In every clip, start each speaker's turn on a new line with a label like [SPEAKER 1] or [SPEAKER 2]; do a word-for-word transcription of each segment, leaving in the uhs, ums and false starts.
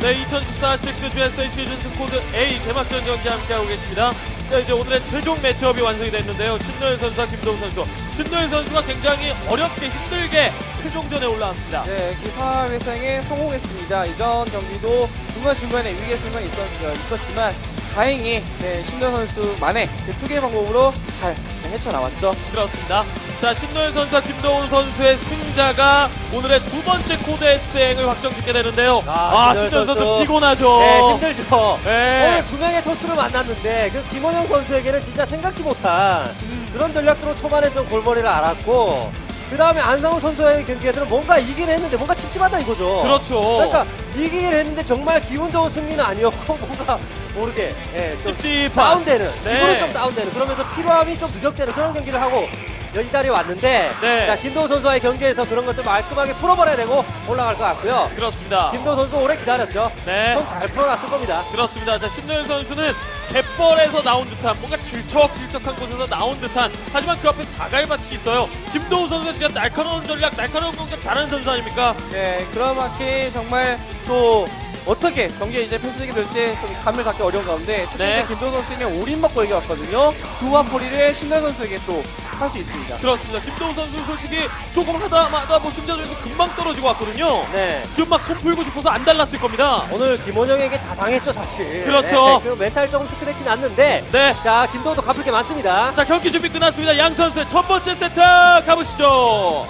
[SPEAKER 1] 네, 이천십사 식스 지에스에이 시즌 코드 A 개막전 경기 함께하고 계십니다. 자, 이제 오늘의 최종 매치업이 완성이 됐는데요. 신노현 선수와 김도우 선수. 신노현 선수가 굉장히 어렵게 힘들게 최종전에 올라왔습니다.
[SPEAKER 2] 네, 기사 회생에 성공했습니다. 이전 경기도 중간중간에 위기의 순간이 있었, 있었지만 다행히 네, 신노현 선수만의 그 투기의 방법으로 잘 헤쳐나왔죠.
[SPEAKER 1] 그렇습니다. 자, 신노현 선수와 김도우 선수의 승자가 오늘의 두 번째 코드 S행을 확정짓게 되는데요.
[SPEAKER 3] 아,
[SPEAKER 1] 아, 신노현 선수, 선수 피곤하죠.
[SPEAKER 3] 네, 힘들죠.
[SPEAKER 1] 네.
[SPEAKER 3] 오늘 두 명의 토스를 만났는데 그 김원영 선수에게는 진짜 생각지 못한
[SPEAKER 1] 음.
[SPEAKER 3] 그런 전략으로 초반에 좀 골머리를 앓았고 그 다음에 안상우 선수의 경기에서는 뭔가 이기긴 했는데 뭔가 찝찝하다 이거죠.
[SPEAKER 1] 그렇죠.
[SPEAKER 3] 그러니까 이기긴 했는데 정말 기분 좋은 승리는 아니었고 뭔가 모르게 예, 좀
[SPEAKER 1] 찝찝한.
[SPEAKER 3] 다운되는
[SPEAKER 1] 네.
[SPEAKER 3] 기분이 좀 다운되는 그러면서 피로함이 좀 누적되는 그런 경기를 하고 이 자리에 왔는데
[SPEAKER 1] 네.
[SPEAKER 3] 자, 김도우 선수와의 경기에서 그런 것들 말끔하게 풀어버려야 되고 올라갈 것 같고요.
[SPEAKER 1] 그렇습니다.
[SPEAKER 3] 김도우 선수 오래 기다렸죠.
[SPEAKER 1] 네.
[SPEAKER 3] 손 잘 풀어놨을 겁니다.
[SPEAKER 1] 그렇습니다. 자, 신노현 선수는 갯벌에서 나온 듯한 뭔가 질척질척한 곳에서 나온 듯한 하지만 그 앞에 자갈밭이 있어요. 김도우 선수가 진짜 날카로운 전략, 날카로운 공격 잘하는 선수 아닙니까?
[SPEAKER 2] 네, 그라마키 정말 또 어떻게 경기에 이제 펼치게 될지 좀 감을 잡기 어려운 가운데 특히
[SPEAKER 1] 네.
[SPEAKER 2] 이제 김도우 선수는 올인 먹고 이겨왔거든요. 두와포리를 신노현 선수에게 또 할 수 있습니다.
[SPEAKER 1] 그렇습니다. 김도우 선수 솔직히 조금 하다 마다 뭐 승자전에서 금방 떨어지고 왔거든요.
[SPEAKER 3] 네.
[SPEAKER 1] 지금 막 손 풀고 싶어서 안 달랐을 겁니다.
[SPEAKER 3] 오늘 김원영에게 다 당했죠 사실.
[SPEAKER 1] 그렇죠.
[SPEAKER 3] 네, 그 멘탈 조금 스크래치 났는데
[SPEAKER 1] 네.
[SPEAKER 3] 자 김도우도 갚을 게 많습니다.
[SPEAKER 1] 자, 경기 준비 끝났습니다. 양 선수의 첫 번째 세트 가보시죠.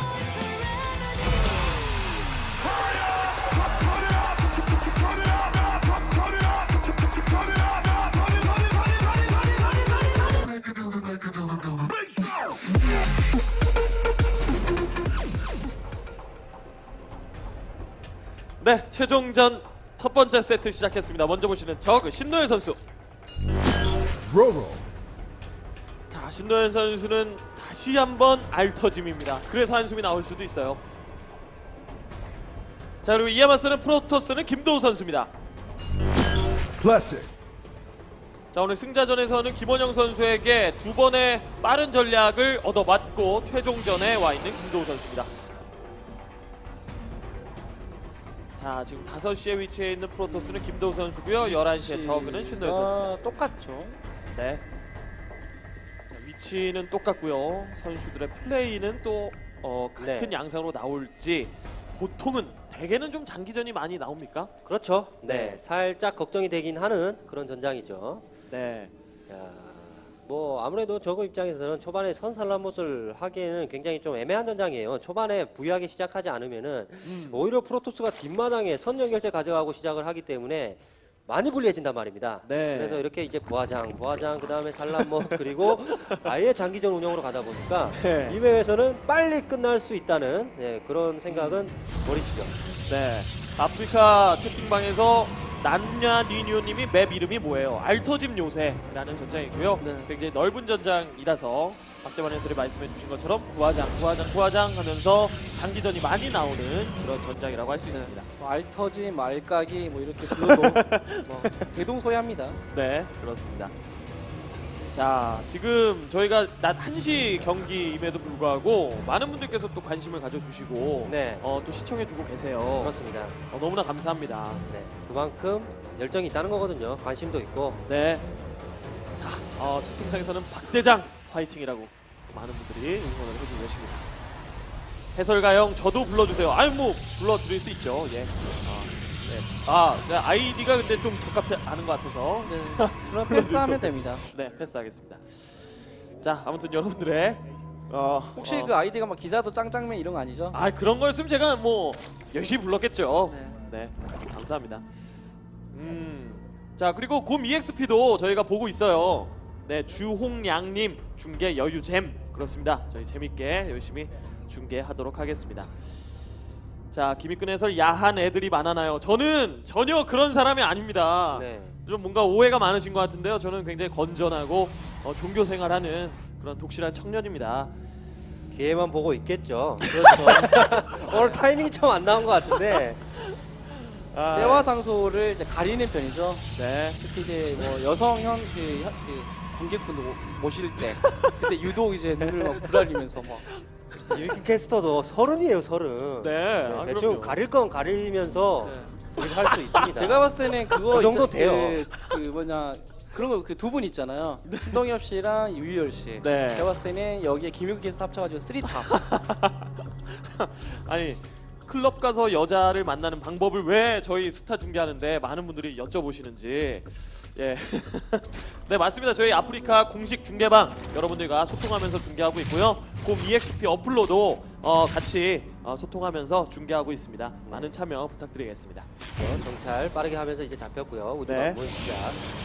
[SPEAKER 1] 네, 최종전 첫 번째 세트 시작했습니다. 먼저 보시는 저 신노현 선수. 자, 신노현 선수는 다시 한번 알터짐입니다. 그래서 한숨이 나올 수도 있어요. 자, 그리고 이에 맞서는 프로토스는 김도우 선수입니다.
[SPEAKER 4] 클래식.
[SPEAKER 1] 자, 오늘 승자전에서는 김원영 선수에게 두 번의 빠른 전략을 얻어맞고 최종전에 와 있는 김도우 선수입니다. 자, 지금 다섯 시에 위치해 있는 프로토스는 김도우 선수고요. 열한 시에 저그는 신노현 선수입니다.
[SPEAKER 2] 아, 똑같죠.
[SPEAKER 1] 네. 자, 위치는 똑같고요. 선수들의 플레이는 또 어, 같은
[SPEAKER 3] 네.
[SPEAKER 1] 양상으로 나올지 보통은 대개는 좀 장기전이 많이 나옵니까?
[SPEAKER 3] 그렇죠. 네.
[SPEAKER 1] 네.
[SPEAKER 3] 살짝 걱정이 되긴 하는 그런 전장이죠.
[SPEAKER 1] 네.
[SPEAKER 3] 야, 뭐 아무래도 저그 입장에서는 초반에 선살라못을 하기에는 굉장히 좀 애매한 전장이에요. 초반에 부유하게 시작하지 않으면은
[SPEAKER 1] 음.
[SPEAKER 3] 오히려 프로토스가 뒷마당에 선 연결체 가져가고 시작을 하기 때문에 많이 불리해진단 말입니다.
[SPEAKER 1] 네.
[SPEAKER 3] 그래서 이렇게 이제 부하장, 부하장 그 다음에 살라못 그리고 아예 장기전 운영으로 가다 보니까
[SPEAKER 1] 네.
[SPEAKER 3] 이 맵에서는 빨리 끝날 수 있다는 네, 그런 생각은 버리시죠.
[SPEAKER 1] 네. 아프리카 채팅방에서 난냐 니뉴님이 맵 이름이 뭐예요? 알터짐 요새라는 전장이고요.
[SPEAKER 2] 네.
[SPEAKER 1] 굉장히 넓은 전장이라서 박대만 해설이 말씀해 주신 것처럼 부하장, 부하장, 부하장 하면서 장기전이 많이 나오는 그런 전장이라고 할 수 있습니다.
[SPEAKER 2] 뭐 알터지, 말까기 뭐 이렇게 불러도 뭐 대동소이합니다.
[SPEAKER 1] 네, 그렇습니다. 자, 지금 저희가 낮 한 시 경기임에도 불구하고 많은 분들께서 또 관심을 가져주시고
[SPEAKER 3] 네.
[SPEAKER 1] 어, 또 시청해주고 계세요.
[SPEAKER 3] 그렇습니다.
[SPEAKER 1] 어, 너무나 감사합니다.
[SPEAKER 3] 네, 그만큼 열정이 있다는 거거든요. 관심도 있고.
[SPEAKER 1] 네. 자, 어, 채팅창에서는 박대장 화이팅이라고 많은 분들이 응원을 해주고 계십니다. 해설가형 저도 불러주세요. 아유 뭐 불러드릴 수 있죠. 예. 아, 네. 아, 네, 아이디가 근데 좀 적합지 않은 것 같아서
[SPEAKER 2] 네. 그럼 패스하면 됩니다.
[SPEAKER 1] 네, 패스하겠습니다. 자, 아무튼 여러분들의 어,
[SPEAKER 2] 혹시
[SPEAKER 1] 어,
[SPEAKER 2] 그 아이디가 막 기사도 짱짱맨 이런 거 아니죠?
[SPEAKER 1] 아 그런 거였으면 제가 뭐 열심히 불렀겠죠.
[SPEAKER 2] 네.
[SPEAKER 1] 네, 감사합니다. 음, 자 그리고 곰 이엑스피도 저희가 보고 있어요. 네, 주홍양님 중계 여유잼 그렇습니다. 저희 재밌게 열심히 중계하도록 하겠습니다. 자, 김익근 해설 야한 애들이 많아나요? 저는 전혀 그런 사람이 아닙니다.
[SPEAKER 3] 네.
[SPEAKER 1] 좀 뭔가 오해가 많으신 것 같은데요. 저는 굉장히 건전하고 어, 종교 생활하는 그런 독실한 청년입니다.
[SPEAKER 3] 기회만 보고 있겠죠. 그렇죠. 오늘 타이밍이 좀 안 나온 것 같은데.
[SPEAKER 1] 아,
[SPEAKER 2] 때와 장소를 이제 가리는 편이죠.
[SPEAKER 1] 네.
[SPEAKER 2] 특히 이제 뭐 여성형 그, 현- 그 관객분들 모- 모실 때 그때 유독 이제 눈을 막 부라리면서 막
[SPEAKER 3] 유익 캐스터도 서른이에요, 서른.
[SPEAKER 1] 네.
[SPEAKER 3] 네,
[SPEAKER 1] 아,
[SPEAKER 3] 대충
[SPEAKER 1] 그럼요.
[SPEAKER 3] 가릴 건 가리면서
[SPEAKER 2] 네.
[SPEAKER 3] 드립할 수 있습니다.
[SPEAKER 2] 제가 봤을 때는 그거
[SPEAKER 3] 그 정도
[SPEAKER 2] 있자-
[SPEAKER 3] 돼요.
[SPEAKER 2] 그, 그 뭐냐 그런 거 그 두 분 있잖아요. 신동엽 씨랑 유희열 씨.
[SPEAKER 1] 네.
[SPEAKER 2] 제가 봤을 때는 여기에 김유기께서 합쳐가지고 쓰리탑.
[SPEAKER 1] 아니 클럽 가서 여자를 만나는 방법을 왜 저희 스타 중계하는데 많은 분들이 여쭤보시는지. 예. 네 맞습니다. 저희 아프리카 공식 중계방 여러분들과 소통하면서 중계하고 있고요. 곰 이엑스피 어플로도 어, 같이 어, 소통하면서 중계하고 있습니다. 많은 참여 부탁드리겠습니다.
[SPEAKER 3] 어, 정찰 빠르게 하면서 이제 잡혔고요. 우주가
[SPEAKER 1] 네.
[SPEAKER 3] 네. 시작.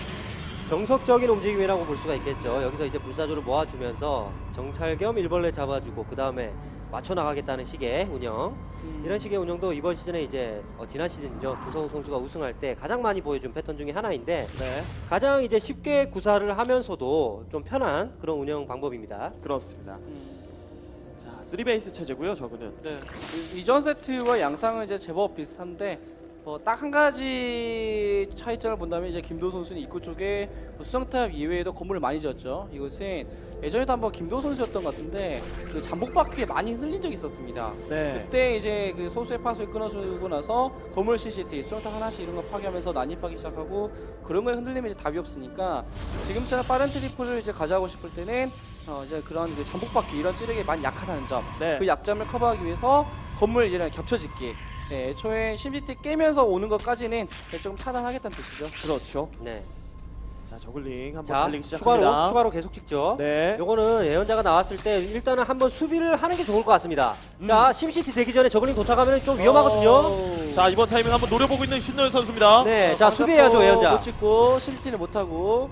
[SPEAKER 3] 정석적인 움직임이라고 볼 수가 있겠죠. 여기서 이제 불사조를 모아주면서 정찰 겸 일벌레 잡아주고 그 다음에 맞춰 나가겠다는 식의 운영.
[SPEAKER 2] 음.
[SPEAKER 3] 이런 식의 운영도 이번 시즌에 이제 어, 지난 시즌이죠. 주성우 선수가 우승할 때 가장 많이 보여준 패턴 중에 하나인데
[SPEAKER 1] 네
[SPEAKER 3] 가장 이제 쉽게 구사를 하면서도 좀 편한 그런 운영 방법입니다.
[SPEAKER 1] 그렇습니다.
[SPEAKER 2] 음.
[SPEAKER 1] 자 쓰리 베이스 체제고요. 저거는
[SPEAKER 2] 네. 이- 이전 세트와 양상은 이제 제법 비슷한데 뭐 딱 한 가지 차이점을 본다면 이제 김도 선수는 입구 쪽에 뭐 수정탑 이외에도 건물을 많이 지었죠. 이것은 예전에도 한번 김도 선수였던 것 같은데 그 잠복 바퀴에 많이 흔들린 적이 있었습니다.
[SPEAKER 1] 네
[SPEAKER 2] 그때 이제 그 소수의 파수를 끊어주고 나서 건물 씨씨티, 수정탑 하나씩 이런 거 파괴하면서 난입하기 시작하고 그런 거에 흔들리면 이제 답이 없으니까 지금처럼 빠른 트리플을 이제 가져가고 싶을 때는 어 이제 그런 그 잠복 바퀴 이런 찌르기 많이 약하다는 점,
[SPEAKER 1] 네.
[SPEAKER 2] 그 약점을 커버하기 위해서 건물 이제 겹쳐짓기. 네, 애초에 심시티 깨면서 오는 것까지는 조금 차단하겠다는 뜻이죠.
[SPEAKER 1] 그렇죠.
[SPEAKER 3] 네.
[SPEAKER 1] 자 저글링 한번
[SPEAKER 3] 자,
[SPEAKER 1] 달리기 시작합니다.
[SPEAKER 3] 추가로 추가로 계속 찍죠.
[SPEAKER 1] 네.
[SPEAKER 3] 요거는 예언자가 나왔을 때 일단은 한번 수비를 하는 게 좋을 것 같습니다.
[SPEAKER 1] 음.
[SPEAKER 3] 자, 심시티 되기 전에 저글링 도착하면 좀 위험하거든요.
[SPEAKER 2] 어...
[SPEAKER 1] 자 이번 타이밍 한번 노려보고 있는 신노현 선수입니다.
[SPEAKER 3] 네,
[SPEAKER 2] 어,
[SPEAKER 3] 자 수비해야죠 예언자.
[SPEAKER 2] 못 찍고 심시티를 못 하고.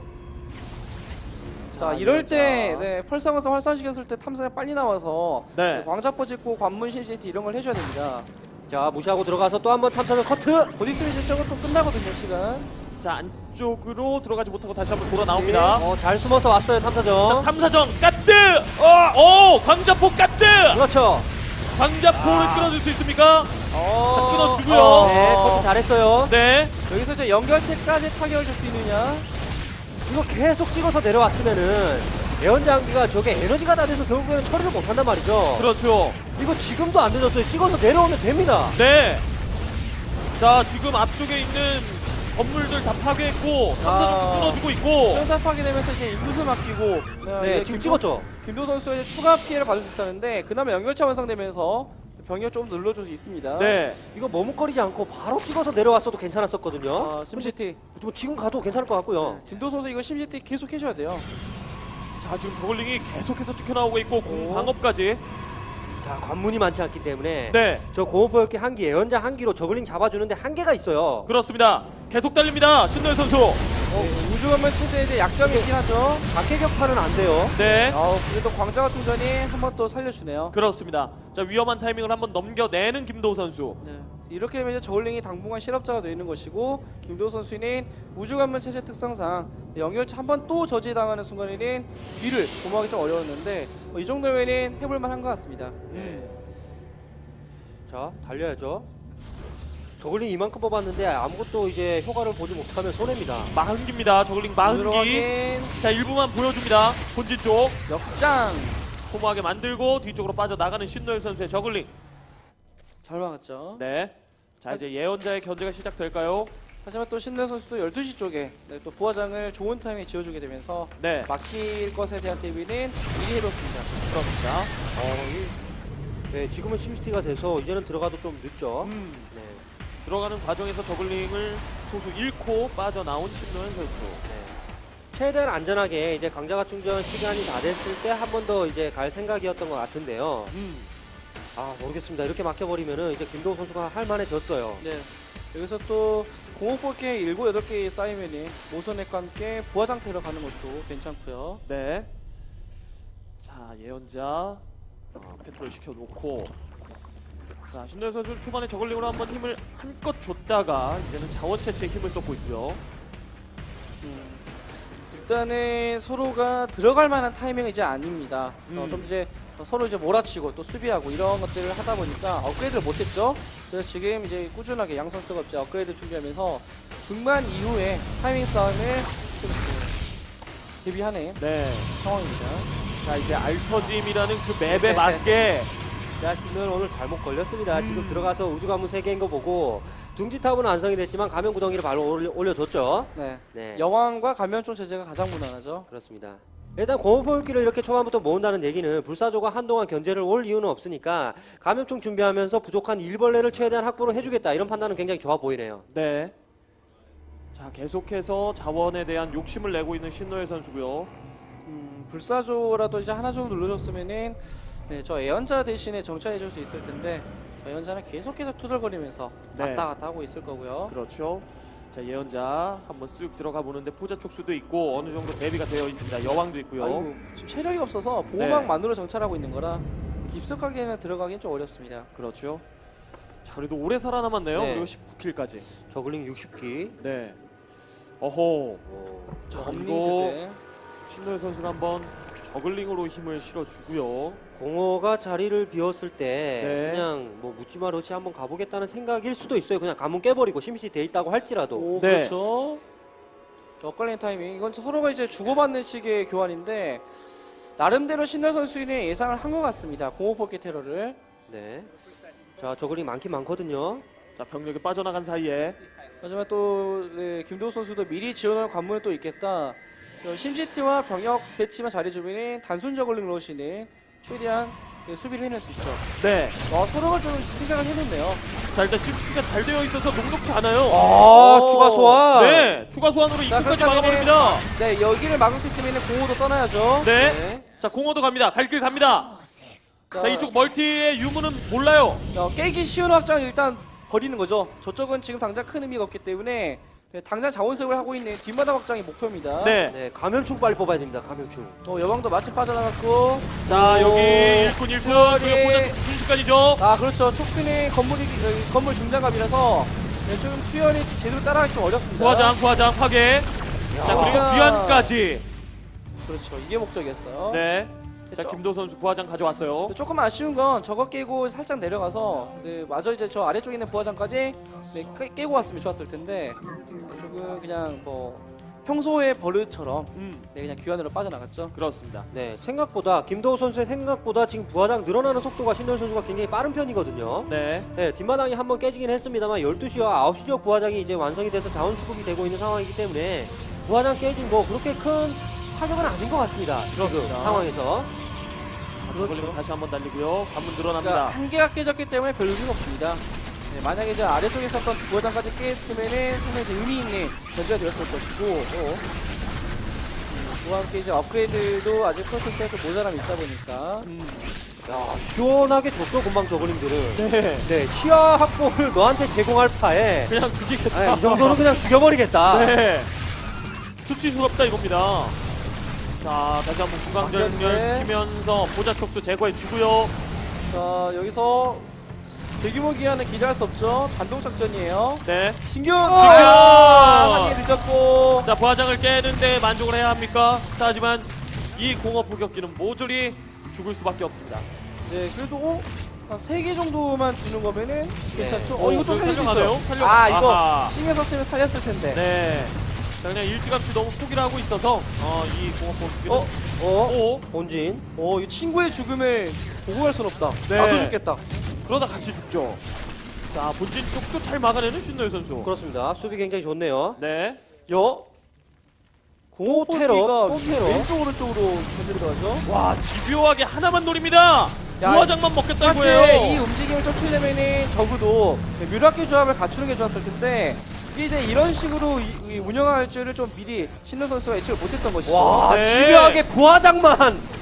[SPEAKER 2] 자,
[SPEAKER 1] 자,
[SPEAKER 2] 이럴
[SPEAKER 1] 예언자.
[SPEAKER 2] 때 네, 펄상에서 활성시켰을 때 탐사에 빨리 나와서
[SPEAKER 1] 네.
[SPEAKER 2] 광자포 짓고 관문 심시티 이런 걸 해줘야 됩니다.
[SPEAKER 3] 자, 무시하고 들어가서 또 한번 탐사는 커트.
[SPEAKER 2] 곧 있으면 이제 저거 또 끝나거든요 시간.
[SPEAKER 1] 자 안쪽으로 들어가지 못하고 다시 한번 돌아 나옵니다.
[SPEAKER 3] 어, 잘 숨어서 왔어요
[SPEAKER 1] 자
[SPEAKER 3] 탐사정.
[SPEAKER 1] 탐사정 까뜨. 어, 오 광자포 까뜨.
[SPEAKER 3] 그렇죠.
[SPEAKER 1] 광자포를
[SPEAKER 3] 아.
[SPEAKER 1] 끊어줄 수 있습니까?
[SPEAKER 2] 어...
[SPEAKER 1] 자, 끊어주고요.
[SPEAKER 2] 어...
[SPEAKER 3] 네, 커트 잘했어요.
[SPEAKER 1] 네.
[SPEAKER 2] 여기서 이제 연결체까지 타격을 줄 수 있느냐?
[SPEAKER 3] 이거 계속 찍어서 내려왔으면은 예언장기가 저게 에너지가 다 돼서 결국에는 처리를 못한단 말이죠.
[SPEAKER 1] 그렇죠.
[SPEAKER 3] 이거 지금도 안 늦었어요. 찍어서 내려오면 됩니다.
[SPEAKER 1] 네. 자 지금 앞쪽에 있는 건물들 다 파괴했고 탐사정도
[SPEAKER 2] 아.
[SPEAKER 1] 끊어주고 있고.
[SPEAKER 2] 수영탑하게 되면서 이제 인구수 맡기고
[SPEAKER 3] 네, 지금 찍었죠.
[SPEAKER 2] 김도 선수가 이제 추가 피해를 받을 수 있었는데 그나마 연결차 완성되면서 병력 좀 늘려줄 수 있습니다.
[SPEAKER 1] 네.
[SPEAKER 3] 이거 머뭇거리지 않고 바로 찍어서 내려왔어도 괜찮았었거든요.
[SPEAKER 2] 아, 심시티.
[SPEAKER 3] 뭐 지금 가도 괜찮을 것 같고요.
[SPEAKER 2] 김도 선수 이거 심시티 계속 해줘야 돼요.
[SPEAKER 1] 자 지금 저글링이 계속해서 찍혀 나오고 있고 공
[SPEAKER 2] 오.
[SPEAKER 1] 방업까지.
[SPEAKER 3] 자, 관문이 많지 않기 때문에
[SPEAKER 1] 네.
[SPEAKER 3] 저 공업포획기 한 기, 예언자 한 기로 저글링 잡아주는데 한계가 있어요.
[SPEAKER 1] 그렇습니다. 계속 달립니다. 신노현 선수.
[SPEAKER 2] 어, 우주건물 체제에 이제 약점이 있긴 하죠.
[SPEAKER 3] 각계 격파는 안 돼요.
[SPEAKER 1] 네.
[SPEAKER 2] 어, 그래도 광자가 충전이 한 번 또 살려주네요.
[SPEAKER 1] 그렇습니다. 자 위험한 타이밍을 한번 넘겨내는 김도우 선수.
[SPEAKER 2] 네. 이렇게 되면 이제 저울링이 당분간 실업자가 되는 것이고 김도 선수는 우주관문 체제 특성상 연결차 한 번 또 저지당하는 순간에는 뒤를 도모하기 좀 어려웠는데 어, 이 정도면은 해볼만 한 것 같습니다.
[SPEAKER 1] 네.
[SPEAKER 3] 자, 달려야죠. 저글링 이만큼 뽑았는데 아무것도 이제 효과를 보지 못하면 손해입니다.
[SPEAKER 1] 마흔기입니다. 저글링 마흔기.
[SPEAKER 2] 들어가긴
[SPEAKER 1] 자 일부만 보여줍니다. 본진 쪽
[SPEAKER 2] 역장
[SPEAKER 1] 소모하게 만들고 뒤쪽으로 빠져나가는 신노현 선수의 저글링.
[SPEAKER 2] 잘 막았죠.
[SPEAKER 1] 네. 자 이제 예언자의 견제가 시작될까요?
[SPEAKER 2] 하지만 또 신내 선수도 열두 시 쪽에 네, 또 부화장을 좋은 타임에 지어주게 되면서
[SPEAKER 1] 네.
[SPEAKER 2] 막힐 것에 대한 대비는 미리 해뒀습니다.
[SPEAKER 1] 그렇습니다.
[SPEAKER 3] 어, 이, 네, 지금은 심시티가 돼서 이제는 들어가도 좀 늦죠.
[SPEAKER 1] 음.
[SPEAKER 3] 네.
[SPEAKER 1] 들어가는 과정에서 저글링을 소수 잃고 빠져나온 신노현 선수.
[SPEAKER 3] 최대한 안전하게 이제 강자가 충전 시간이 다 됐을 때 한 번 더 이제 갈 생각이었던 것 같은데요.
[SPEAKER 1] 음.
[SPEAKER 3] 아, 모르겠습니다. 이렇게 막혀버리면은 이제 김도우 선수가 할 만해졌어요.
[SPEAKER 2] 네. 여기서 또 공업볼게 일곱, 여덟 개 쌓이면은 모선액과 함께 부화장 테러 가는 것도 괜찮고요.
[SPEAKER 1] 네. 자 예언자 어, 페트롤 시켜놓고 자 신노현 선수 초반에 저글링으로 한번 힘을 한껏 줬다가 이제는 자원 채취에 힘을 쏟고 있고요.
[SPEAKER 2] 음, 일단은 서로가 들어갈 만한 타이밍은 이제 아닙니다. 어,
[SPEAKER 1] 음.
[SPEAKER 2] 좀 이제 서로 이제 몰아치고 또 수비하고 이런 것들을 하다 보니까 업그레이드를 못했죠. 그래서 지금 이제 꾸준하게 양 선수가 이제 업그레이드 준비하면서 중반 이후에 타이밍 싸움을 좀 대비하는
[SPEAKER 1] 네.
[SPEAKER 2] 상황입니다.
[SPEAKER 1] 자 이제 알터짐이라는 그 맵에 맞게
[SPEAKER 3] 자신은 오늘 잘못 걸렸습니다.
[SPEAKER 1] 음.
[SPEAKER 3] 지금 들어가서 우주 관문 세 개인 거 보고 둥지탑은 완성이 됐지만 가면 구덩이를 바로 올려, 올려줬죠.
[SPEAKER 2] 네.
[SPEAKER 3] 네.
[SPEAKER 2] 여왕과 감면총 체제가 가장 무난하죠.
[SPEAKER 3] 그렇습니다. 일단 공업포획기를 이렇게 초반부터 모은다는 얘기는 불사조가 한동안 견제를 올 이유는 없으니까 감염충 준비하면서 부족한 일벌레를 최대한 확보를 해주겠다 이런 판단은 굉장히 좋아 보이네요.
[SPEAKER 1] 네. 자, 계속해서 자원에 대한 욕심을 내고 있는 신노예 선수고요.
[SPEAKER 2] 음, 불사조라도 이제 하나 정도 눌러줬으면은 네, 저 애연자 대신에 정찰해줄 수 있을 텐데 저 애연자는 계속해서 투덜거리면서
[SPEAKER 1] 네.
[SPEAKER 2] 왔다 갔다 하고 있을 거고요.
[SPEAKER 1] 그렇죠. 자, 예언자 한번 쓱 들어가 보는데 포자 촉수도 있고 어느 정도 대비가 되어 있습니다. 여왕도 있고요.
[SPEAKER 2] 아이고, 지금 체력이 없어서 보호막만으로 정찰하고 있는 거라 깊숙하게는 들어가긴 좀 어렵습니다.
[SPEAKER 1] 그렇죠. 자, 그래도 오래 살아남았네요.
[SPEAKER 3] 네.
[SPEAKER 1] 그리고 십구 킬까지.
[SPEAKER 3] 저글링 육십 기.
[SPEAKER 1] 네. 어허.
[SPEAKER 3] 오.
[SPEAKER 1] 자,
[SPEAKER 2] 범링
[SPEAKER 1] 그리고
[SPEAKER 2] 체제.
[SPEAKER 1] 신노예 선수가 한번 저글링으로 힘을 실어주고요.
[SPEAKER 3] 공허가 자리를 비웠을 때
[SPEAKER 1] 네.
[SPEAKER 3] 그냥 뭐 묻지마 러시 한번 가보겠다는 생각일 수도 있어요. 그냥 가문 깨버리고 심시티 돼 있다고 할지라도.
[SPEAKER 2] 오,
[SPEAKER 1] 네.
[SPEAKER 2] 그렇죠. 자, 엇갈리는 타이밍. 이건 서로가 이제 주고받는 식의 교환인데 나름대로 신노 선수는 예상을 한 것 같습니다. 공호포켓 테러를.
[SPEAKER 3] 네. 자 저글링 많긴 많거든요.
[SPEAKER 1] 자, 병력이 빠져나간 사이에
[SPEAKER 2] 하지만 또 네, 김도우 선수도 미리 지원할 관문은 또 있겠다. 어, 심시티와 병력 배치만 잘해주면 단순 저글링 러시는 최대한 네, 수비를 해낼 수 있죠.
[SPEAKER 1] 네.
[SPEAKER 2] 와, 서로가 좀 생각을 해놓네요.
[SPEAKER 1] 자, 일단 칩스가 잘 되어 있어서 녹록치 않아요.
[SPEAKER 3] 아
[SPEAKER 2] 오.
[SPEAKER 3] 추가 소환.
[SPEAKER 1] 네. 추가 소환으로
[SPEAKER 2] 자,
[SPEAKER 1] 입구까지
[SPEAKER 2] 그렇다면은-
[SPEAKER 1] 막아버립니다.
[SPEAKER 2] 네, 여기를 막을 수 있으면 공호도 떠나야죠.
[SPEAKER 1] 네.
[SPEAKER 3] 네.
[SPEAKER 1] 자, 공허도 갑니다. 갈 길 갑니다. 자, 이쪽 멀티의 유무는 몰라요.
[SPEAKER 2] 어, 깨기 쉬운 확장을 일단 버리는 거죠. 저쪽은 지금 당장 큰 의미가 없기 때문에 네, 당장 자원수급을 하고 있는 뒷마당 확장이 목표입니다.
[SPEAKER 1] 네.
[SPEAKER 3] 네 감염충 빨리 뽑아야 됩니다. 감염충.
[SPEAKER 2] 어, 여왕도 마침 빠져나갔고.
[SPEAKER 1] 자,
[SPEAKER 2] 오.
[SPEAKER 1] 여기 일꾼 일꾼
[SPEAKER 2] 수월이.
[SPEAKER 1] 그리고 포자 순식간이죠.
[SPEAKER 2] 아, 그렇죠. 촉수는 건물이 어, 건물 중장갑이라서 네, 좀 수연이 제대로 따라가기 좀 어렵습니다.
[SPEAKER 1] 부화장 부화장 파괴. 자, 그리고
[SPEAKER 2] 야.
[SPEAKER 1] 귀환까지.
[SPEAKER 2] 그렇죠. 이게 목적이었어요.
[SPEAKER 1] 네. 자,
[SPEAKER 2] 저-
[SPEAKER 1] 김도 선수 부화장 가져왔어요.
[SPEAKER 2] 근데 조금 아쉬운 건 저거 깨고 살짝 내려가서 네, 마저 이제 저 아래쪽에 있는 부화장까지 네, 깨, 깨고 왔으면 좋았을 텐데 네, 조금 그냥 뭐 평소의 버릇처럼
[SPEAKER 1] 음,
[SPEAKER 2] 네, 그냥 귀환으로 빠져나갔죠.
[SPEAKER 1] 그렇습니다.
[SPEAKER 3] 네 생각보다 김도우 선수의 생각보다 지금 부하장 늘어나는 속도가 신동 선수가 굉장히 빠른 편이거든요.
[SPEAKER 1] 네.
[SPEAKER 3] 네, 뒷마당이 한번 깨지긴 했습니다만 열두 시와 아홉 시 지역 부하장이 이제 완성이 돼서 자원 수급이 되고 있는 상황이기 때문에 부하장 깨진 뭐 그렇게 큰 타격은 아닌 것 같습니다.
[SPEAKER 1] 그렇습니다.
[SPEAKER 3] 지금 상황에서.
[SPEAKER 1] 그렇죠. 다시 한번 달리고요. 관문
[SPEAKER 2] 그러니까
[SPEAKER 1] 늘어납니다.
[SPEAKER 2] 한 개가 깨졌기 때문에 별 의미가 없습니다. 네, 만약에 이제 아래쪽에 있었던 부하장까지 깼으면은 상당히 이제 의미 있는 견제가 되었을 것이고 또 음, 그와 함께 이제 업그레이드도 아직 프로토스에 좀 모자람이 있다 보니까
[SPEAKER 1] 음,
[SPEAKER 3] 야, 시원하게 줬어 금방 저글링들은.
[SPEAKER 1] 네.
[SPEAKER 3] 네, 치아 확보를 너한테 제공할 파에
[SPEAKER 1] 그냥 죽이겠다.
[SPEAKER 3] 아, 이 정도는 그냥 죽여버리겠다.
[SPEAKER 1] 네. 수치스럽다 이겁니다. 자, 다시 한번 구강전열
[SPEAKER 2] 박현재.
[SPEAKER 1] 키면서 보자 촉수 제거해 주고요.
[SPEAKER 2] 자, 여기서 대규모 기한은 기대할 수 없죠. 단독 작전이에요.
[SPEAKER 1] 네.
[SPEAKER 2] 신경!
[SPEAKER 1] 신경!
[SPEAKER 2] 한개 늦었고.
[SPEAKER 1] 자, 부하장을 깨는데 만족을 해야 합니까? 자, 하지만 이 공업 포격기는 모조리 죽을 수밖에 없습니다.
[SPEAKER 2] 네, 그래도 한 세 개 정도만 주는 거면은 괜찮죠?
[SPEAKER 1] 오,
[SPEAKER 2] 어, 이것도 살릴 수
[SPEAKER 1] 살려가나요?
[SPEAKER 2] 있어요.
[SPEAKER 1] 살려-
[SPEAKER 2] 아, 이거
[SPEAKER 1] 아하.
[SPEAKER 2] 신경 썼으면 살렸을 텐데.
[SPEAKER 1] 네. 자, 그냥 일찌감치 너무 포기를 하고 있어서 어, 이 공업 포격기는
[SPEAKER 2] 어?
[SPEAKER 3] 어?
[SPEAKER 1] 오,
[SPEAKER 3] 본진.
[SPEAKER 2] 어, 이 친구의 죽음을 보고 갈 순 없다.
[SPEAKER 1] 네.
[SPEAKER 2] 나도 죽겠다.
[SPEAKER 1] 그러다 같이 죽죠. 자, 본진 쪽도 잘 막아내는 신노예 선수.
[SPEAKER 3] 그렇습니다. 수비 굉장히 좋네요.
[SPEAKER 1] 네.
[SPEAKER 2] 여.
[SPEAKER 3] 또 테러, 또 테러.
[SPEAKER 2] 왼쪽 오른쪽으로 전진이 들어가죠.
[SPEAKER 1] 와, 집요하게 하나만 노립니다.
[SPEAKER 2] 야,
[SPEAKER 1] 부하장만 먹겠다
[SPEAKER 2] 사실 이
[SPEAKER 1] 이거예요.
[SPEAKER 2] 움직임을 쫓으려면은 적어도 뮤라키 조합을 갖추는 게 좋았을 텐데 이게 이제 이런 식으로 이, 이 운영할 줄을 좀 미리 신노 선수가 예측을 못했던 것이죠.
[SPEAKER 3] 와,
[SPEAKER 1] 네.
[SPEAKER 3] 집요하게 부하장만.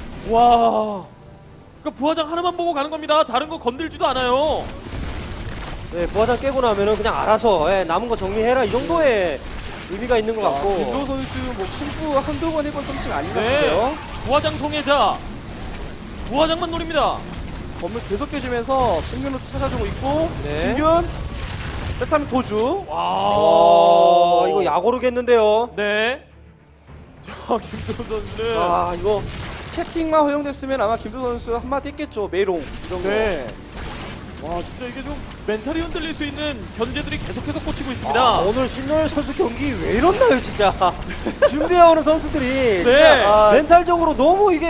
[SPEAKER 1] 와. 그러니까 부하장 하나만 보고 가는 겁니다. 다른 거 건들지도 않아요.
[SPEAKER 3] 네, 부하장 깨고 나면은 그냥 알아서 예, 남은 거 정리해라 이 정도의 의미가 있는 것 같고.
[SPEAKER 2] 김도 선수 뭐 심부 한두 번 해본 솜씨가 아닌 것
[SPEAKER 1] 네.
[SPEAKER 2] 같아요.
[SPEAKER 1] 부하장 송해자. 부하장만 노립니다.
[SPEAKER 2] 건물 계속 깨주면서 평균로도 찾아주고 있고
[SPEAKER 3] 네.
[SPEAKER 2] 진균 그렇다면 도주.
[SPEAKER 1] 와.
[SPEAKER 3] 어, 이거 야고르겠는데요.
[SPEAKER 1] 네. 자, 김도 선수는
[SPEAKER 2] 아, 이거 채팅만 허용됐으면 아마 김도 선수 한마디 했겠죠. 메롱 이런 거.
[SPEAKER 1] 네. 와, 진짜 이게 좀 멘탈이 흔들릴 수 있는 견제들이 계속해서 꽂히고 있습니다.
[SPEAKER 3] 아, 오늘 신노일 선수 경기 왜 이렇나요 진짜. 준비해오는 선수들이
[SPEAKER 1] 네.
[SPEAKER 3] 진짜 멘탈적으로 너무 이게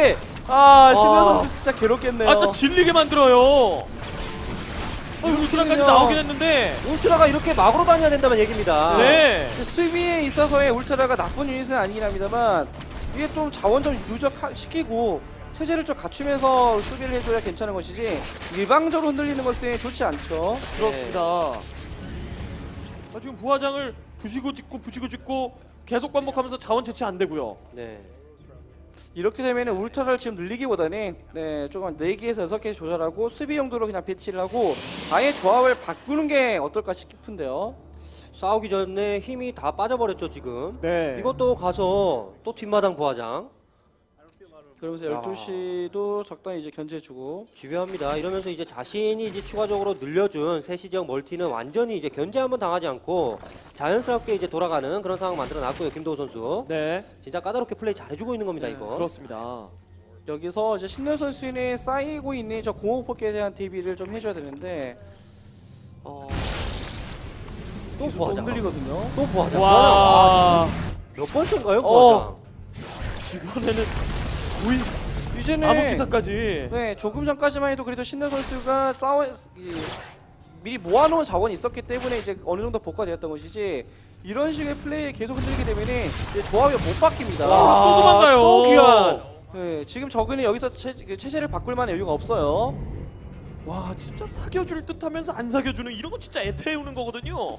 [SPEAKER 2] 아 신현
[SPEAKER 3] 아.
[SPEAKER 2] 선수 진짜 괴롭겠네요.
[SPEAKER 1] 아, 진짜 질리게 만들어요. 어, 울트라까지
[SPEAKER 2] 그렇군요.
[SPEAKER 1] 나오긴 했는데.
[SPEAKER 3] 울트라가 이렇게 막으로 다녀야 된다는 얘기입니다.
[SPEAKER 1] 네.
[SPEAKER 2] 수비에 있어서의 울트라가 나쁜 유닛은 아니긴 합니다만 이게 좀 자원 좀 누적시키고 체제를 좀 갖추면서 수비를 해줘야 괜찮은 것이지 일방적으로 흔들리는 것은 좋지 않죠.
[SPEAKER 1] 그렇습니다. 아, 지금 부화장을 부시고 짓고 부시고 짓고 계속 반복하면서 자원 채취 안 되고요.
[SPEAKER 3] 네.
[SPEAKER 2] 이렇게 되면 울트라를 지금 늘리기보다는 네, 조금 네 개에서 여섯 개 조절하고 수비 용도로 그냥 배치를 하고 아예 조합을 바꾸는 게 어떨까 싶은데요.
[SPEAKER 3] 싸우기 전에 힘이 다 빠져버렸죠 지금.
[SPEAKER 1] 네.
[SPEAKER 3] 이것도 가서 또 뒷마당 부하장
[SPEAKER 2] 그러면서 열두 시도 적당히 이제 견제해주고
[SPEAKER 3] 집요합니다. 이러면서 이제 자신이 이제 추가적으로 늘려준 세시 지역 멀티는 완전히 이제 견제 한번 당하지 않고 자연스럽게 이제 돌아가는 그런 상황 만들어 놨고요. 김도우 선수.
[SPEAKER 1] 네.
[SPEAKER 3] 진짜 까다롭게 플레이 잘해주고 있는 겁니다 이거.
[SPEAKER 1] 그렇습니다.
[SPEAKER 2] 여기서 이제 신현 선수는 쌓이고 있는 저 공업폭에 대한 대비를 좀 해줘야 되는데 어...
[SPEAKER 3] 또
[SPEAKER 2] 계속
[SPEAKER 3] 부하장.
[SPEAKER 2] 흔들리거든요.
[SPEAKER 3] 또 부하장.
[SPEAKER 1] 와.
[SPEAKER 3] 몇 번째인가요
[SPEAKER 2] 어.
[SPEAKER 3] 부하장?
[SPEAKER 1] 이번에는 거의
[SPEAKER 2] 이제는
[SPEAKER 1] 암흑 기사까지.
[SPEAKER 2] 네 조금 전까지만 해도 그래도 신현 선수가 싸워 이, 미리 모아놓은 자원이 있었기 때문에 이제 어느 정도 복구되었던 것이지 이런 식의 플레이에 계속 흔들리게 되면은 이제 조합이 못 바뀝니다.
[SPEAKER 1] 와, 또 도망가요.
[SPEAKER 3] 또 귀한.
[SPEAKER 2] 네, 지금 저그는 여기서 체, 그 체제를 바꿀 만한 여유가 없어요.
[SPEAKER 1] 와, 진짜 사겨줄 듯하면서 안 사겨주는 이런 거 진짜 애태우는 거거든요.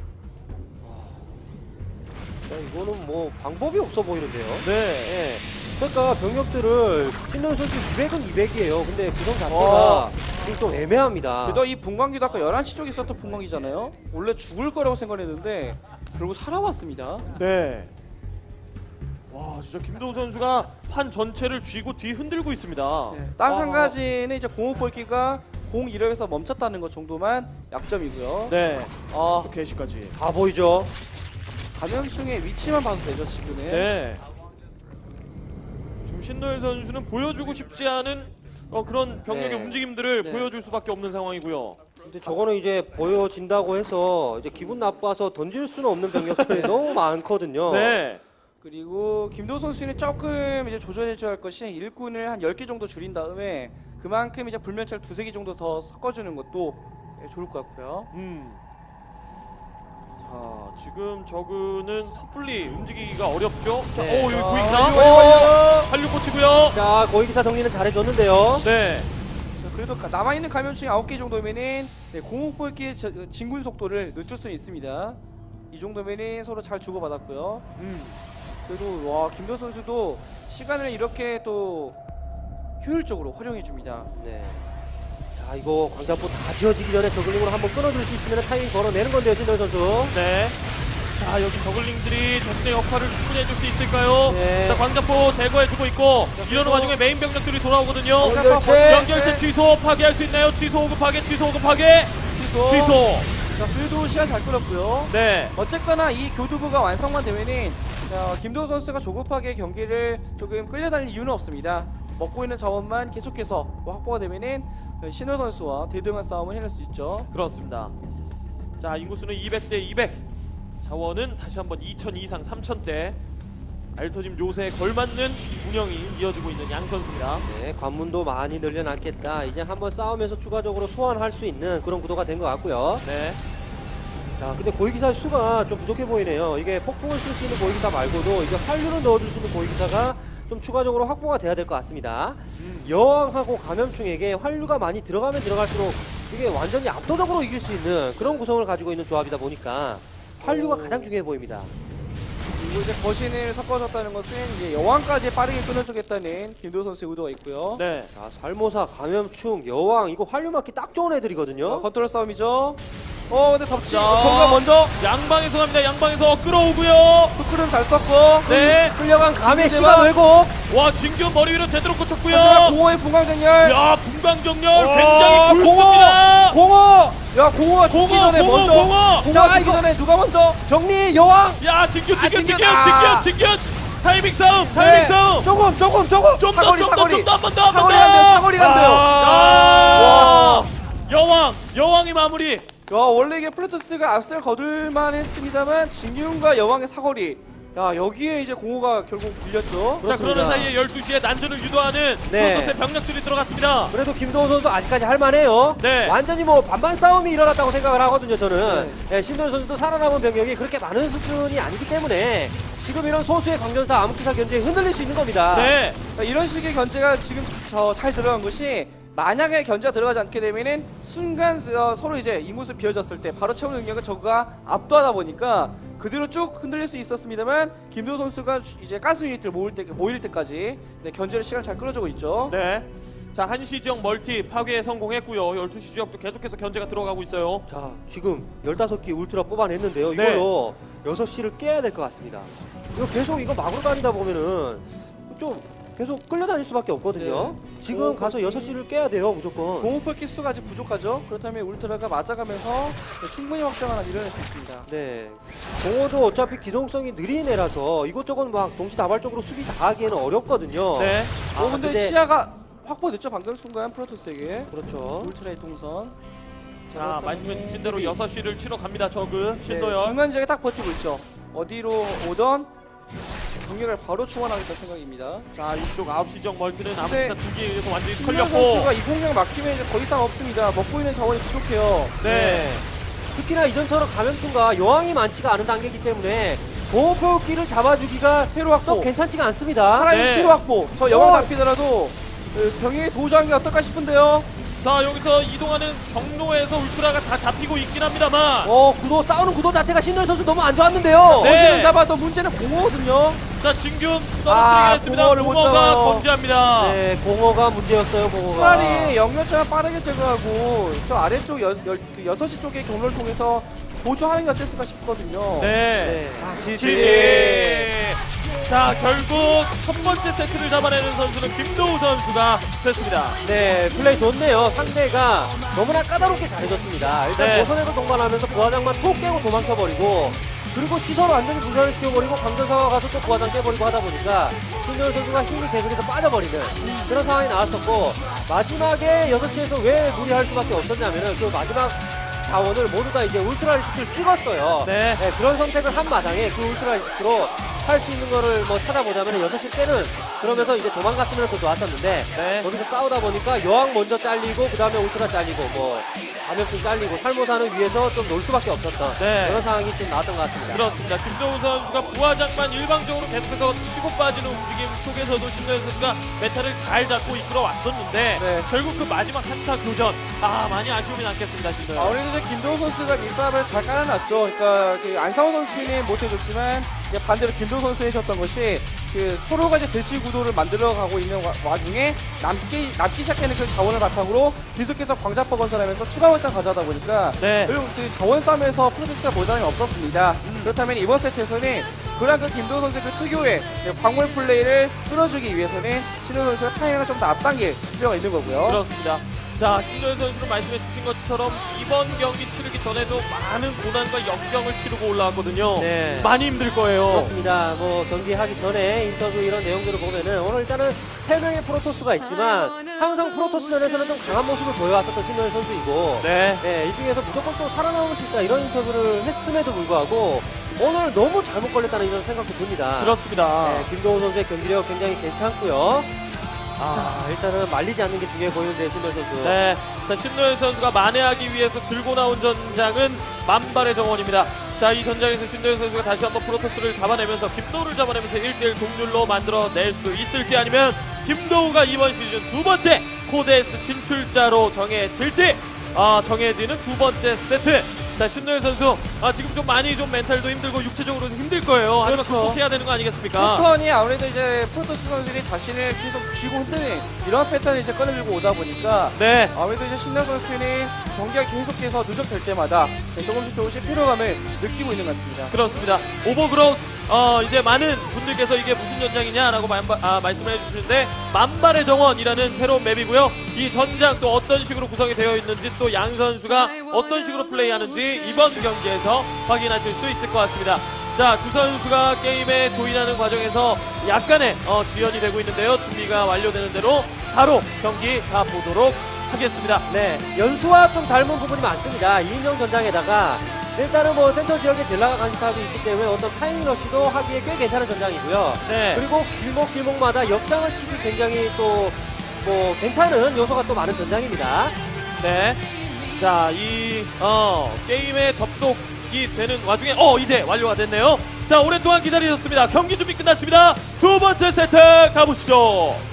[SPEAKER 3] 야, 이거는 뭐 방법이 없어 보이는데요.
[SPEAKER 1] 네.
[SPEAKER 3] 예. 그러니까 병력들을 신동 선수 이백은 이백이에요. 근데 구성 자체가
[SPEAKER 2] 어.
[SPEAKER 3] 지금 좀 애매합니다.
[SPEAKER 2] 그래도 이 분광기도 아까 열한 시 쪽에 있었던 분광기잖아요. 원래 죽을 거라고 생각했는데 결국 살아왔습니다.
[SPEAKER 1] 네. 와, 진짜 김도우 선수가 판 전체를 쥐고 뒤 흔들고 있습니다.
[SPEAKER 2] 네, 딱 한
[SPEAKER 1] 아.
[SPEAKER 2] 가지는 이제 공업 볼기가 공 일 회에서 멈췄다는 것 정도만 약점이고요.
[SPEAKER 1] 네.
[SPEAKER 2] 아,
[SPEAKER 1] 또 개시까지.
[SPEAKER 3] 다 보이죠?
[SPEAKER 2] 감염충의 위치만 봐도 되죠 지금은.
[SPEAKER 1] 네. 지금 신노일 선수는 보여주고 싶지 않은 어, 그런 병력의
[SPEAKER 3] 네.
[SPEAKER 1] 움직임들을
[SPEAKER 2] 네.
[SPEAKER 1] 보여줄 수밖에 없는 상황이고요.
[SPEAKER 3] 근데 저거는 이제 보여진다고 해서 이제 기분 나빠서 던질 수는 없는 병력들이 너무 많거든요.
[SPEAKER 1] 네.
[SPEAKER 2] 그리고 김도우 선수는 조금 이제 조절해줘야 할 것이 일꾼을 한 열 개 정도 줄인 다음에 그만큼 이제 불면차를 두세 개 정도 더 섞어주는 것도 예, 좋을 것 같고요.
[SPEAKER 1] 음. 자, 지금 저그는 섣불리 움직이기가 어렵죠. 자,
[SPEAKER 3] 네.
[SPEAKER 1] 오, 여기
[SPEAKER 2] 아,
[SPEAKER 1] 고익사.
[SPEAKER 2] 이거,
[SPEAKER 1] 한류 꽂히고요.
[SPEAKER 3] 자, 고위기사 정리는 잘해줬는데요.
[SPEAKER 1] 네.
[SPEAKER 2] 자, 그래도 가- 남아있는 감염충이 아홉 개 정도면은 네, 공업볼기의 저- 진군 속도를 늦출 수는 있습니다. 이 정도면은 서로 잘 주고받았고요.
[SPEAKER 1] 음.
[SPEAKER 2] 그래도 와 김도우 선수도 시간을 이렇게 또 효율적으로 활용해줍니다.
[SPEAKER 3] 네. 자, 이거 광자포 다 지어지기 전에 저글링으로 한번 끊어줄 수 있으면 타이밍 걸어내는 건데요, 신동 선수.
[SPEAKER 1] 네. 자, 여기 저글링들이 자신의 역할을 충분히 해줄 수 있을까요?
[SPEAKER 3] 네.
[SPEAKER 1] 자, 광자포 제거해주고 있고 이러는 와중에 메인 병력들이 돌아오거든요.
[SPEAKER 3] 연결체.
[SPEAKER 1] 연결체 취소 파괴할 수 있나요? 취소 오급 파괴, 취소 오급 파괴,
[SPEAKER 2] 취소.
[SPEAKER 1] 취소.
[SPEAKER 2] 자, 그래도 시간 잘 끌었고요.
[SPEAKER 1] 네.
[SPEAKER 2] 어쨌거나 이 교두부가 완성만 되면은 자, 김도우 선수가 조급하게 경기를 조금 끌려다닐 이유는 없습니다. 먹고 있는 자원만 계속해서 뭐 확보가 되면은 신호 선수와 대등한 싸움을 해낼 수 있죠.
[SPEAKER 1] 그렇습니다. 자, 인구수는 이백 대 이백. 자원은 다시 한번 이천 이상 삼천 대. 알터짐 요새에 걸맞는 운영이 이어지고 있는 양 선수입니다.
[SPEAKER 3] 네, 관문도 많이 늘려놨겠다. 이제 한번 싸우면서 추가적으로 소환할 수 있는 그런 구도가 된 것 같고요.
[SPEAKER 1] 네.
[SPEAKER 3] 자, 근데 고위기사 수가 좀 부족해 보이네요. 이게 폭풍을 쓸 수 있는 고위기사 말고도 이제 활류를 넣어줄 수 있는 고위기사가 좀 추가적으로 확보가 돼야 될 것 같습니다.
[SPEAKER 1] 음.
[SPEAKER 3] 여왕하고 감염충에게 활류가 많이 들어가면 들어갈수록 이게 완전히 압도적으로 이길 수 있는 그런 구성을 가지고 있는 조합이다 보니까 활류가 가장 중요해 보입니다.
[SPEAKER 2] 그리고 이제 거신을 섞어줬다는 것은 이제 여왕까지 빠르게 끊어주겠다는 김도우 선수의 의도가 있고요.
[SPEAKER 1] 네.
[SPEAKER 3] 자, 살모사, 감염충, 여왕 이거 활류 맞기 딱 좋은 애들이거든요.
[SPEAKER 2] 어, 컨트롤 싸움이죠. 어 근데 덮치
[SPEAKER 1] 자.
[SPEAKER 2] 정가 먼저
[SPEAKER 1] 양방에서 갑니다. 양방에서 끌어오고요.
[SPEAKER 2] 흑크름 잘 썼고
[SPEAKER 1] 네.
[SPEAKER 3] 끌려간 감의
[SPEAKER 2] 진규대박.
[SPEAKER 3] 시간 왜곡.
[SPEAKER 1] 와, 진규 머리 위로 제대로 꽂혔고요.
[SPEAKER 2] 하지만 공허의 분광전열.
[SPEAKER 1] 야, 분광정렬
[SPEAKER 2] 와,
[SPEAKER 1] 굉장히 굵습니다.
[SPEAKER 3] 공호!
[SPEAKER 2] 야 공허가 죽기
[SPEAKER 1] 공허,
[SPEAKER 2] 전에
[SPEAKER 1] 공허,
[SPEAKER 2] 먼저
[SPEAKER 1] 공허.
[SPEAKER 2] 공허가
[SPEAKER 3] 자,
[SPEAKER 2] 죽기
[SPEAKER 3] 이거-
[SPEAKER 2] 전에 누가 먼저
[SPEAKER 3] 정리 여왕.
[SPEAKER 1] 야, 진규,
[SPEAKER 2] 아,
[SPEAKER 1] 진규,
[SPEAKER 2] 진규.
[SPEAKER 1] 진규,
[SPEAKER 2] 아.
[SPEAKER 1] 진규, 진규. 타이밍 싸움, 타이밍 싸움.
[SPEAKER 3] 조금 조금 조금.
[SPEAKER 1] 좀 더,
[SPEAKER 2] 사거리,
[SPEAKER 1] 좀 더,
[SPEAKER 2] 사거리.
[SPEAKER 1] 좀 더, 한 번 더, 한 번 더.
[SPEAKER 2] 사거리 안 돼요, 사거리 안 돼요.
[SPEAKER 1] 아. 여왕, 여왕이 마무리.
[SPEAKER 2] 야 원래 이게 프로토스가 앞설 거둘만 했습니다만 진균과 여왕의 사거리 야 여기에 이제 공호가 결국 밀렸죠.
[SPEAKER 1] 자, 그러는 사이에 열두 시에 난전을 유도하는
[SPEAKER 3] 네.
[SPEAKER 1] 프로토스의 병력들이 들어갔습니다.
[SPEAKER 3] 그래도 김도호 선수 아직까지 할만해요.
[SPEAKER 1] 네.
[SPEAKER 3] 완전히 뭐 반반 싸움이 일어났다고 생각을 하거든요. 저는
[SPEAKER 2] 네.
[SPEAKER 3] 예, 신도현 선수도 살아남은 병력이 그렇게 많은 수준이 아니기 때문에 지금 이런 소수의 강전사 암흑기사 견제에 흔들릴 수 있는 겁니다.
[SPEAKER 1] 네.
[SPEAKER 2] 그러니까 이런 식의 견제가 지금 저 잘 들어간 것이 만약에 견제가 들어가지 않게 되면은 순간 어, 서로 이제 인구수 비어졌을 때 바로 채우는 능력을 저그가 압도하다 보니까 그대로 쭉 흔들릴 수 있었습니다만 김도호 선수가 이제 가스 유닛을 모일 때 모일 때까지 네, 견제를 시간 잘 끌어주고 있죠.
[SPEAKER 1] 네. 자, 한시 지역 멀티 파괴에 성공했고요. 열두 시 지역도 계속해서 견제가 들어가고 있어요.
[SPEAKER 3] 자, 지금 열다섯 기 울트라 뽑아냈는데요.
[SPEAKER 1] 네.
[SPEAKER 3] 이걸로 여섯 시를 깨야 될 것 같습니다. 이거 계속 이거 막으로 다니다 보면은 좀 계속 끌려다닐 수밖에 없거든요.
[SPEAKER 2] 네.
[SPEAKER 3] 지금
[SPEAKER 2] 오,
[SPEAKER 3] 가서
[SPEAKER 2] 그렇지.
[SPEAKER 3] 여섯 시를 깨야 돼요, 무조건.
[SPEAKER 2] 공호폭 기수가 아직 부족하죠. 그렇다면 울트라가 맞아가면서 네, 충분히 확장 하나 이뤄낼 수 있습니다.
[SPEAKER 3] 네. 공호도 어차피 기동성이 느린 애라서 이것저것 막 동시다발적으로 수비 다 하기에는 어렵거든요.
[SPEAKER 1] 네.
[SPEAKER 3] 아,
[SPEAKER 2] 어 근데,
[SPEAKER 3] 근데-
[SPEAKER 2] 시야가 확보됐죠. 방금 순간 프로토스에게
[SPEAKER 3] 그렇죠.
[SPEAKER 2] 울트라의 동선.
[SPEAKER 1] 자, 말씀해 주신 대로 여섯 시를 치러 갑니다. 저그
[SPEAKER 2] 네,
[SPEAKER 1] 신도현.
[SPEAKER 2] 중간 지역에 딱 버티고 있죠. 어디로 오던 경력을 바로 충원하겠다 생각입니다.
[SPEAKER 1] 자, 이쪽 아홉 시 지역 멀티는
[SPEAKER 2] 네.
[SPEAKER 1] 암흑기사 두 개에 의해서 완전히
[SPEAKER 2] 신명
[SPEAKER 1] 털렸고.
[SPEAKER 2] 선수가 이 공격 막히면 이제 더 이상 없습니다. 먹고 있는 자원이 부족해요.
[SPEAKER 1] 네.
[SPEAKER 3] 특히나 이전처럼 감염충과 여왕이 많지가 않은 단계이기 때문에 공호표기를 잡아주기가
[SPEAKER 2] 테러 확보.
[SPEAKER 3] 썩 괜찮지가 않습니다.
[SPEAKER 2] 차라리
[SPEAKER 1] 네.
[SPEAKER 2] 테러 확보. 저 영화
[SPEAKER 3] 어.
[SPEAKER 2] 잡히더라도 그 병행에 도주하는 게 어떨까 싶은데요.
[SPEAKER 1] 자, 여기서 이동하는 경로에서 울트라가 다 잡히고 있긴 합니다만.
[SPEAKER 3] 어, 구도 싸우는 구도 자체가 신도현 선수 너무 안 좋았는데요.
[SPEAKER 1] 네.
[SPEAKER 2] 거신은 잡아도 문제는 공허거든요.
[SPEAKER 1] 자, 진균
[SPEAKER 2] 아,
[SPEAKER 1] 떨어뜨리게 했습니다.
[SPEAKER 2] 공허를 못
[SPEAKER 1] 공허가
[SPEAKER 2] 잡아요.
[SPEAKER 1] 건재합니다.
[SPEAKER 3] 네, 공허가 문제였어요, 공허가.
[SPEAKER 2] 차라리 영역차만 빠르게 제거하고 저 아래쪽 여, 여, 그 여섯 시 쪽의 경로를 통해서 보조하는 게 어땠을까 싶거든요.
[SPEAKER 1] 네.
[SPEAKER 3] 네.
[SPEAKER 2] 아,
[SPEAKER 1] 지지. 자, 결국 첫 번째 세트를 잡아내는 선수는 김도우 선수가 됐습니다.
[SPEAKER 3] 네, 플레이 좋네요. 상대가 너무나 까다롭게 잘해줬습니다. 일단
[SPEAKER 1] 네.
[SPEAKER 3] 모선에도 동반하면서 부하장만 톡 깨고 도망쳐버리고 그리고 시설을 완전히 분산을 시켜버리고 강전사가 가서 또 부하장 깨버리고 하다 보니까 신도현 선수가 힘이 계속해서 빠져버리는 그런 상황이 나왔었고 마지막에 여섯 시에서 왜 무리할 수밖에 없었냐면은 그 마지막 자원을 모두 다 이제 울트라 리스크를 찍었어요.
[SPEAKER 1] 네.
[SPEAKER 3] 그런 선택을 한 마당에 그 울트라 리스크로 할 수 있는 거를 뭐 찾아보자면 여섯 시 때는 그러면서 이제 도망갔으면 더 좋았었는데
[SPEAKER 1] 네.
[SPEAKER 3] 거기서 싸우다 보니까 여왕 먼저 잘리고 그 다음에 울트라 잘리고 뭐 감염증 잘리고 살모사는 위에서 좀 놀 수밖에 없었던
[SPEAKER 1] 네.
[SPEAKER 3] 그런 상황이 좀 나왔던 것 같습니다.
[SPEAKER 1] 그렇습니다. 김도우 선수가 부하장만 일방적으로 계속해서 치고 빠지는 움직임 속에서도 신도현 선수가 메타를 잘 잡고 이끌어 왔었는데
[SPEAKER 2] 네.
[SPEAKER 1] 결국 그 마지막 한타 교전 아 많이 아쉬움이 남겠습니다. 신도현.
[SPEAKER 2] 아무래도 이제 김도호 선수가 밑밥을 잘 깔아놨죠. 그러니까 그 안상호 선수는 못해줬지만 이제 반대로 김도호 선수 해줬던 것이 그 서로가 이제 대치 구도를 만들어가고 있는 와, 와중에 남기 남기 시작하는 그 자원을 바탕으로 계속해서 광자포 건설하면서 추가 확장 가져다 보니까
[SPEAKER 1] 네.
[SPEAKER 2] 결국 그 자원 싸움에서 프로듀스가 모자람이 없었습니다. 그렇다면 이번 세트에서는 그런 그 김도호 선수의 그 특유의 그 광물 플레이를 끌어주기 위해서는 신우 선수가 타이밍을 좀 더 앞당길 필요가 있는 거고요.
[SPEAKER 1] 그렇습니다. 자, 신도현 선수는 말씀해 주신 것처럼 이번 경기 치르기 전에도 많은 고난과 역경을 치르고 올라왔거든요.
[SPEAKER 3] 네.
[SPEAKER 1] 많이 힘들 거예요.
[SPEAKER 3] 그렇습니다. 뭐 경기 하기 전에 인터뷰 이런 내용들을 보면은 오늘 일단은 세 명의 프로토스가 있지만 항상 프로토스전에서는 좀 강한 모습을 보여왔었던 신도현 선수이고
[SPEAKER 1] 네.
[SPEAKER 3] 네, 이 중에서 무조건 또 살아남을 수 있다 이런 인터뷰를 했음에도 불구하고 오늘 너무 잘못 걸렸다는 이런 생각도 듭니다.
[SPEAKER 1] 그렇습니다.
[SPEAKER 3] 네, 김도호 선수의 경기력 굉장히 괜찮고요. 아, 일단은 말리지 않는 게 중요해 보이는데 신도현 선수.
[SPEAKER 1] 네. 자, 신노현 선수가 만회하기 위해서 들고 나온 전장은 만발의 정원입니다. 자, 이 전장에서 신노현 선수가 다시 한번 프로토스를 잡아내면서 김도우를 잡아내면서 일 대 일 동률로 만들어낼 수 있을지 아니면 김도우가 이번 시즌 두 번째 코데스 진출자로 정해질지 아, 정해지는 두 번째 세트. 자, 신노현 선수 아, 지금 좀 많이 좀 멘탈도 힘들고 육체적으로도 힘들 거예요. 하지만
[SPEAKER 2] 그렇죠.
[SPEAKER 1] 극복해야 되는 거 아니겠습니까?
[SPEAKER 2] 패턴이 아무래도 이제 프로토스 선수들이 자신을 계속 쥐고 흔드는 이런 패턴을 이제 꺼내들고 오다 보니까
[SPEAKER 1] 네.
[SPEAKER 2] 아무래도 이제 신나 선수는 경기가 계속해서 누적될 때마다 조금씩 조금씩 피로감을 느끼고 있는 것 같습니다.
[SPEAKER 1] 그렇습니다. 오버그로스 어, 이제 많은 분들께서 이게 무슨 전장이냐라고 마, 아, 말씀을 해주시는데 만발의 정원이라는 새로운 맵이고요. 이 전장 또 어떤 식으로 구성이 되어 있는지 또 양 선수가 어떤 식으로 플레이하는지 이번 경기에서 확인하실 수 있을 것 같습니다. 자, 두 선수가 게임에 조인하는 과정에서 약간의 어, 지연이 되고 있는데요. 준비가 완료되는 대로 바로 경기 가보도록 하겠습니다.
[SPEAKER 3] 네, 연수와 좀 닮은 부분이 많습니다. 이인용 전장에다가 일단은 뭐 센터 지역에 젤라가 간직하고 있기 때문에 어떤 타이밍 러시도 하기에 꽤 괜찮은 전장이고요.
[SPEAKER 1] 네.
[SPEAKER 3] 그리고 길목 길목마다 역장을 치기 굉장히 또 뭐 괜찮은 요소가 또 많은 전장입니다.
[SPEAKER 1] 네. 자, 이 어, 게임에 접속이 되는 와중에 어 이제 완료가 됐네요. 자, 오랫동안 기다리셨습니다. 경기 준비 끝났습니다. 두 번째 세트 가보시죠.